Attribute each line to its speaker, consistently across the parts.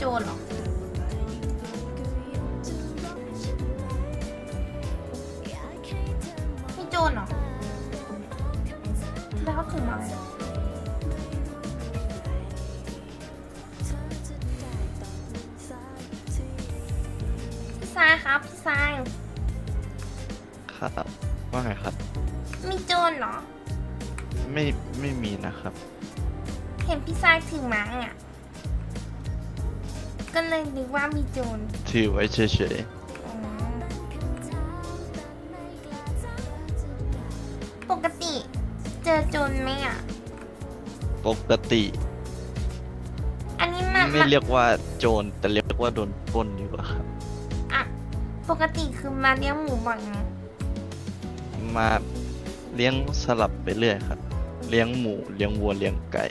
Speaker 1: จรเหรอมีโจรเหรอแล้วเขาถึงมาเลยพี่ทรายครับพี่ทราย
Speaker 2: ครับว่าไงครับ
Speaker 1: มีโจรเหรอ
Speaker 2: ไม่มีนะครับ
Speaker 1: เห็นพี่ทรายถือไม้อ่ะก็เลยนึกว่ามีโจร
Speaker 2: ถือไว้เฉย
Speaker 1: อ๋อปกติเจอโจรไหมอ่ะ
Speaker 2: ๆปกติ
Speaker 1: อันนี้มัน
Speaker 2: ไม่เรียกว่าโจรแต่เรียกว่าโดนปล้นดีกว่าครับ
Speaker 1: อ่ะปกติคือมาเลี้ยงหมูบ่อยไง
Speaker 2: มาเลี้ยงสลับไปเรื่อยครับ เลี้ยงหมูเลี้ยงวัวเลี้ยงไก่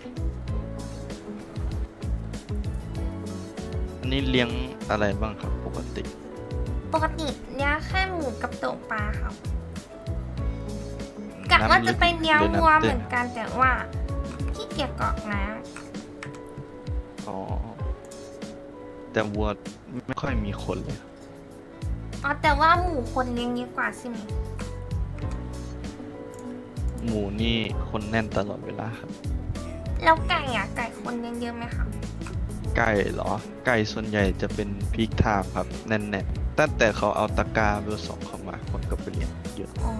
Speaker 2: อันนี้เลี้ยงอะไรบ้างครับปกติ
Speaker 1: ปกติเลี้ยงแค่หมูกับโตปลาครับกะว่าจะไปเลี้ยงวัวเหมือนกันแต่ว่าขี้เกียจกรอกน้
Speaker 2: อ๋อ แต่วัวไม่ค่อยมีคนเลยครับ
Speaker 1: ำอ๋อแต่ว่าหมูคนเลี้ยงเยอะกว่าใช่ไหม
Speaker 2: หมูนี่คนแน่นตลอดเวลาครับ
Speaker 1: แล้วไก่อ่ะไก่คนเลี้ยงเยอะไหมครับ
Speaker 2: ไก่เหรอ ไก่ส่วนใหญ่จะเป็นพีคไทม์ครับแน่นๆตั้งแต่เขาเอาตะกร้าเบอร์สองเข้ามาคนก็ไปเลี้ยงเยอะ
Speaker 1: อ๋อ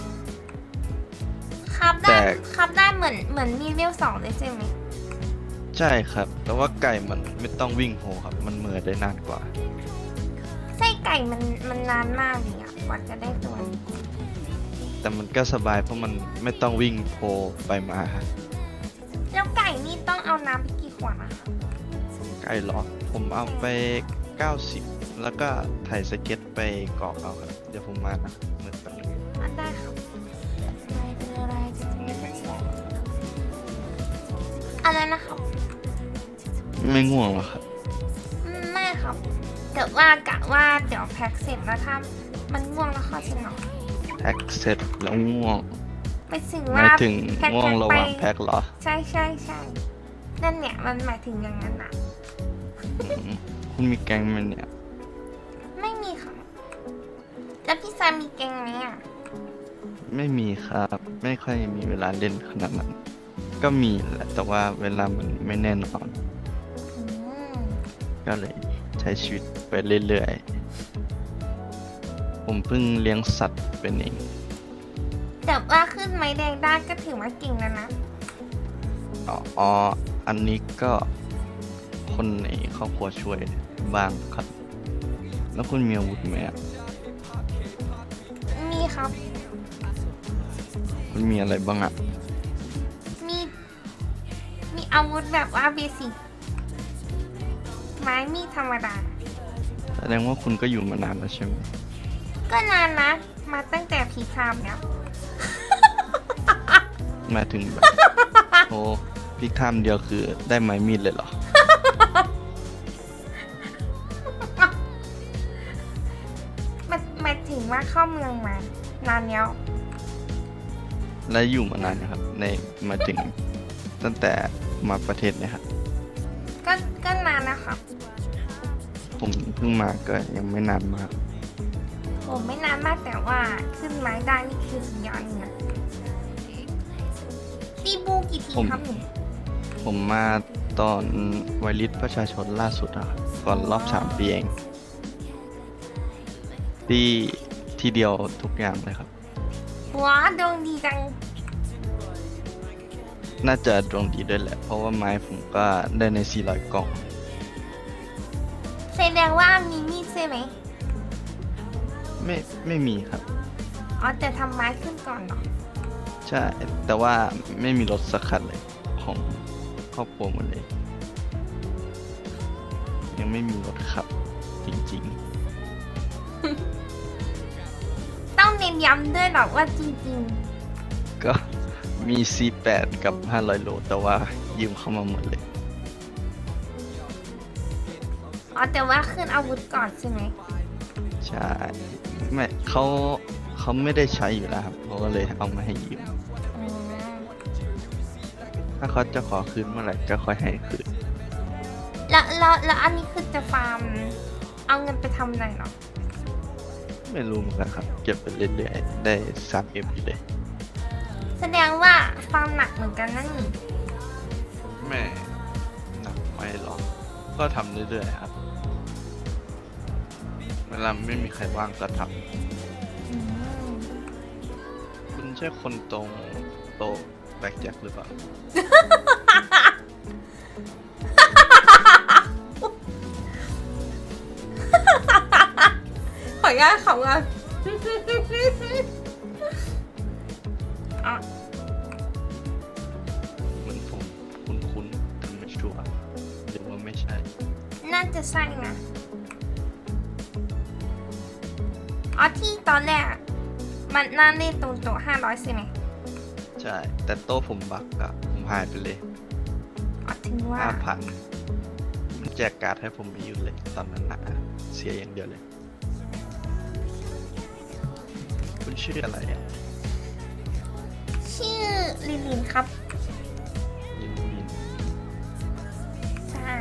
Speaker 1: ครับ
Speaker 2: แต่
Speaker 1: ได้ครับได้เหมือนมีเวล2เลยใช่ไหม
Speaker 2: ใช่ครับ แต่ว่าไก่มันไม่ต้องวิ่งโหครับ มันเหมือได้นานกว่า
Speaker 1: ไส้ไก่มันนานมากเลยอ่ะกว่าจะได้ตัวนี้
Speaker 2: แต่มันก็สบายเพราะมันไม่ต้องวิ่งโพไปมาครับ
Speaker 1: แล้วไก่นี่ต้องเอาน้ำไปกี่ขวดอะคะ
Speaker 2: ไก่เหรอ ผมเอาไป 90 แล้วก็ถ่ายสเก็ตไปกรอกเอาครับ เดี๋ยวผมมานะเหมือนกันง
Speaker 1: อ่ะได้ครับอะไรนะครับ
Speaker 2: ไม่ง่วงหรอครับ
Speaker 1: ไม่ครับแต่ว่ากะว่าเดี๋ยวแพ็คเสร็จแล้วถ้ามันง่วงแล้วเข้าจะนอน
Speaker 2: แพ็คเสร็จแล้วง่วง
Speaker 1: ไปถึง
Speaker 2: ห
Speaker 1: ว่า
Speaker 2: มายถึง
Speaker 1: แพ็ค
Speaker 2: ง่วงระหว่าง
Speaker 1: ไป
Speaker 2: แพ็คเหรอ
Speaker 1: ใช่ใช่ใช่นั่นเนี่ยมันหมายถึงอย่างนั้นอะ
Speaker 2: อืมคุณมีแก๊งไหมเนี่ย
Speaker 1: ไม่มีค่ะแล้วพี่ซายมีแกงไหมอะ
Speaker 2: ไม่มีครับ ไม่ค่อยมีเวลาเล่นขนาดนั้น ก็มีแหละแต่ว่าเวลามันไม่แน่นอน
Speaker 1: อืม
Speaker 2: ก็เลยใช้ชีวิตไปเรื่อยๆ ผมเพิ่งเลี้ยงสัตว์เป็นเอง
Speaker 1: แต่ว่าขึ้นไม้แดงได้ก็ถือว่าเก่งแล้วนะ
Speaker 2: อ๋อ อันนี้ก็คนในครอบครัวช่วยบ้างครับ แล้วคุณมีอาวุธไหมอ่ะ
Speaker 1: มีครับ
Speaker 2: คุณมีอะไรบ้างอ่ะ
Speaker 1: มีมีอาวุธแบบว่าเบสิกไม้มีดธรรมดา
Speaker 2: แสดงว่าคุณก็อยู่มานานแล้วใช่ไหม
Speaker 1: ก็นานนะ มาตั้งแต่พีคามแล้ว
Speaker 2: หมายถึงแบบ โอ้พิกไทม์เดียวคือได้ไม้มีดเลยเหรอ
Speaker 1: หมายถึงว่าเข้าเมืองมานานแล้ว
Speaker 2: และอยู่มานานนะครับ ในหมายถึงตั้งแต่มาประเทศเนี่ยครับ
Speaker 1: ก็นานนะครับ
Speaker 2: ผมเพิ่งมาก็ยังไม่นานมาก
Speaker 1: ผมไม่นานมากแต่ว่าขึ้นไม้ได้นี่คือสุดยอดเลยนะตีบูกี่ทีครับหนู
Speaker 2: ผมมาตอนไวริสประชาชนล่าสุดอะครับก่อนรอบ3 ปีเองที่เดียวทุกอย่างเลยครับ
Speaker 1: ว้าดวงดีจัง
Speaker 2: น่าจะดวงดีด้วยแหละ เพราะว่าไม้ผมก็ได้ใน400 กล่อง
Speaker 1: แสดงว่ามีมีดใช่ไหม
Speaker 2: ไม่มีครับ
Speaker 1: อ๋อแต่ทำไม้ขึ้นก่อนเหรอ
Speaker 2: ใช่ แต่ว่าไม่มีรถสักคันเลยของครอบครัวหมดเลย ยังไม่มีรถขับจริง
Speaker 1: ต้องเน้นย้ำด้วยหรอกว่าจริง
Speaker 2: ๆ ก็มี C8 กับ 500 โล แต่ว่ายืมเข้ามาหมดเลย
Speaker 1: ๆ อ๋อแต่ว่าขึ้นอาวุธก่อนใช่ไหม
Speaker 2: ใช่ ไม่เขาไม่ได้ใช้อยู่แล้วครับเขาก็เลยเอามาให้ยืม
Speaker 1: อืม
Speaker 2: ถ้าเขาจะขอคืนเมื่อไหร่ก็ค่อยให้คืน
Speaker 1: แล้วอันนี้คือจะฟาร์มเอาเงินไปทำอะไรเหรอ
Speaker 2: ไม่รู้เหมือนกันครับ เก็บไปเรื่อยๆ ได้3Mอยู่เลย
Speaker 1: แสดงว่าฟาร์มหนักเหมือนกันนั่นนี่
Speaker 2: แม่หนักไม่หรอก ก็ทำเรื่อยๆครับ เวลาไม่มีใครว่างก็ท
Speaker 1: อืม
Speaker 2: ำคุณใช่คนตรงโตะแบกแจ็คหรือเปล่า
Speaker 1: ขออนุญาตขำกันอ่ะ
Speaker 2: เหมือนผมคุ้นๆแต่ไม่ชัวร์หรือว่าไม่ใช่
Speaker 1: น่าจะใช่นะอ๋อที่ตอนแรกอะมันน่าเล่นตรงโต๊ะ500ใช่ไหม
Speaker 2: ใช่ แต่โต๊ะผมบักอะผมหายไปเลย
Speaker 1: อ๋อถึงว่า
Speaker 2: 5,000มันแจกการ์ดให้ผมไม่หยุดเลย ตอนนั้นนะเสียอย่างเดียวเลย คุณชื่ออะไรอ่ะ
Speaker 1: ชื่อลิลินครับ
Speaker 2: ลินลิน
Speaker 1: ใช่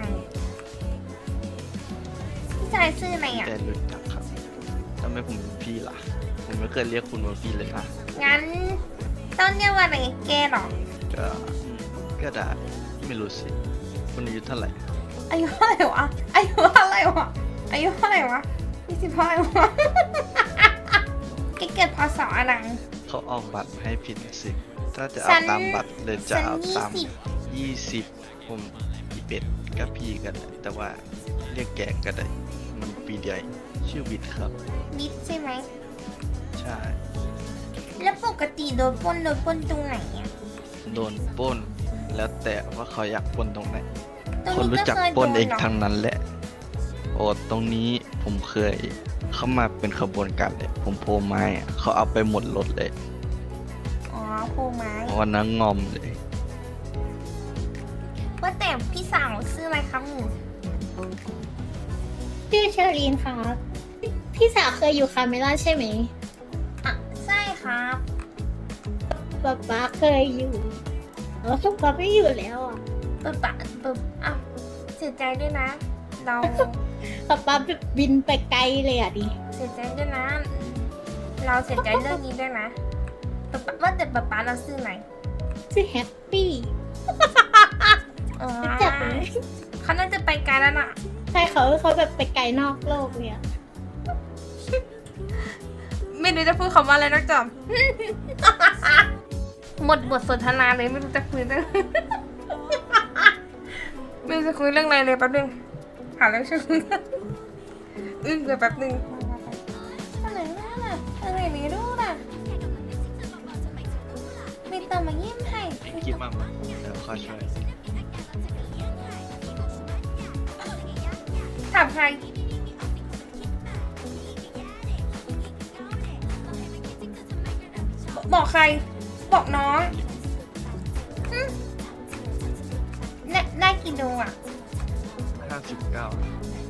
Speaker 1: พี่ชายชื่ออะไรอ่ะ
Speaker 2: แต่รู้จักครับทำไมผมเป็นพี่ล่ะ ผมไม่เคยเรียกคุณว่าพี่เลยนะ
Speaker 1: งั้นต้องเรียกว่าอะไรแกเหรอ
Speaker 2: ก็ก็ได้ไม่รู้สิ คุณอายุเท่าไหร่
Speaker 1: อายุเท่าไหร่วะ อายุเท่าไหร่วะ อายุเท่าไหร่วะ20เท่าไหร่วะ แกเกิดพศอะไร
Speaker 2: เขาออกบัตรให้ผิดสิ ถ้าจะ
Speaker 1: ฉั
Speaker 2: เอา
Speaker 1: น
Speaker 2: ตามบัตรเลยจะ
Speaker 1: ฉัน
Speaker 2: เอาตาม
Speaker 1: 20
Speaker 2: 20 ผม21ก็พี่กันได้แต่ว่าเรียกแกก็ได้ มันปีเดียวเองชื่อวิทย์ครับ
Speaker 1: บิดใช่ไหม
Speaker 2: ใช่
Speaker 1: แล้วปกติโดนปล้นตรงไหนอ่ะ
Speaker 2: โดนปล้น แล้วแต่ว่าเขาอยากปล้นตรงไหน
Speaker 1: ตรง
Speaker 2: คน
Speaker 1: นี้
Speaker 2: รู้
Speaker 1: ก็
Speaker 2: จัก
Speaker 1: เคย
Speaker 2: ปล้น
Speaker 1: โดน
Speaker 2: เอง
Speaker 1: เหรอ
Speaker 2: ทั้งนั้นแหละ โอ้ตรงนี้ผมเคยเข้ามาเป็นขบวนการเลย ผมโพไม้อะเขาเอาไปหมดรถเลย
Speaker 1: อ๋อโพไม้
Speaker 2: วันนั้นงอมเลย
Speaker 1: ว่าแต่พี่สาวชื่ออะไรครับหนู
Speaker 3: ชื่อเชอรีนครับ พี่สาวเคยอยู่คาเมล่าใช่ไหม
Speaker 1: อ่ะใช่ครับ
Speaker 3: ป๊าป๊าเคยอยู่แล้วทุกป๊าไม่อยู่แล้วอ่ะ
Speaker 1: เปิดปะเปิดอ้าวเสียใจด้วยนะ เรา
Speaker 3: ป๊าป๊าบินไปไกลเลยอ่ะดิ
Speaker 1: เสียใจด้วยนะ เราเสียใจเรื่องนี้ด้วยนะป๊าป๊าว่าแต่ป๊าป๊าเราชื่อไหน
Speaker 3: ชื่อแฮปปี้
Speaker 1: อ๋อ
Speaker 3: รู้จักไหม
Speaker 1: เขาน่าจะไปไกลแล้วน่ะ
Speaker 3: ใช่เขาแบบไปไกลนอกโลกเลยอ่ะ
Speaker 1: ไม่รู้จะพูดคำว่าอะไรนักจอม หมดบทสนทนาเลยไม่รู้จะคุยเรื่อง ไม่รู้จะคุยเรื่องอะไรเลยแป๊บนึงหาเรื่องช่วยคุยอึ้งไปแป๊บนึงอะไรน่ะอะไรไม่รู้น่ะมีเติมมาเยี่ยมให้
Speaker 2: คิดมากมั้ยเดี๋ยวข้อช่วย
Speaker 1: ถามใครบอกใคร บอกน้องหึได้กี่ดวงอ่ะ
Speaker 2: 59